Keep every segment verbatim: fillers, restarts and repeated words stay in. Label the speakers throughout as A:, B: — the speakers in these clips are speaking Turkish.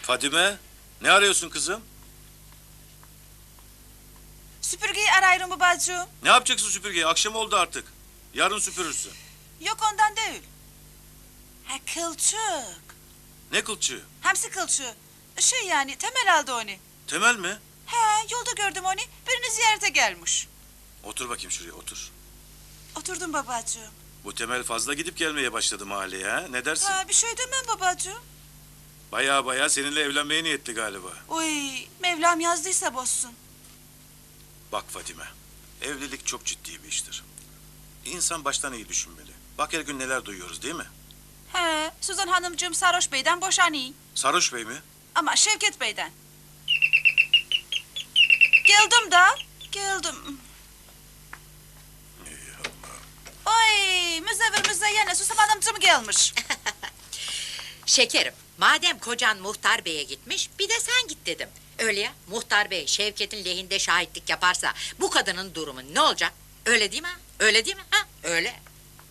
A: Fadime, ne arıyorsun kızım?
B: Süpürgeyi arıyorum babacığım.
A: Ne yapacaksın süpürgeyi? Akşam oldu artık. Yarın süpürürsün.
B: Yok ondan değil. Ha kılçık.
A: Ne kılçığı?
B: Hamsi kılçığı. Şey yani Temel aldı onu.
A: Temel mi?
B: He yolda gördüm onu. Birini ziyarete gelmiş.
A: Otur bakayım şuraya, otur.
B: Oturdum babacığım.
A: Bu Temel fazla gidip gelmeye başladı mahalleye ha? Ne dersin?
B: Ha bir şey demem babacığım.
A: Baya baya seninle evlenmeye niyetli galiba.
B: Uy Mevlam yazdıysa bozsun.
A: Bak Fadime, evlilik çok ciddi bir iştir. İnsan baştan iyi düşünmeli. Bak her gün neler duyuyoruz değil mi?
B: He Suzan Hanımcığım Sarhoş Bey'den boşanıyor.
A: Sarhoş Bey mi?
B: Ama Şevket Bey'den. Geldim da. Geldim.
A: Ey Allah.
B: Oy müzevir müzeyyene Suzan Hanımcığım gelmiş.
C: Şekerim, madem kocan Muhtar Bey'e gitmiş, bir de sen git dedim. Öyle ya, Muhtar Bey Şevket'in lehinde şahitlik yaparsa bu kadının durumu ne olacak? Öyle değil mi? Öyle değil mi? Ha? Öyle.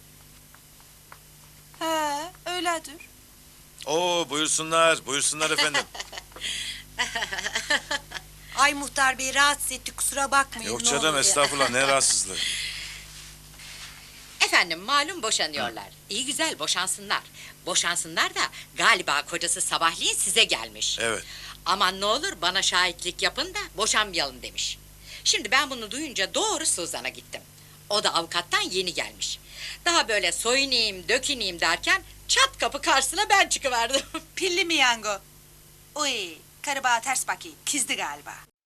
B: He öyledir.
A: Oo buyursunlar, buyursunlar efendim.
D: Ay Muhtar Bey rahatsız etti kusura bakmayın.
A: Yok
D: ne
A: canım
D: olur.
A: estağfurullah, ne rahatsızlığı.
C: Efendim malum boşanıyorlar. İyi güzel boşansınlar. Boşansınlar da galiba kocası sabahleyin size gelmiş.
A: Evet.
C: Aman ne olur bana şahitlik yapın da boşanmayalım demiş. Şimdi ben bunu duyunca doğru Suzan'a gittim. O da avukattan yeni gelmiş. Daha böyle soyunayım, döküneyim derken çat kapı karşısına ben çıkıverdim.
B: Pilli mi yango? Uy karı bana ters bakayım. Kızdı galiba.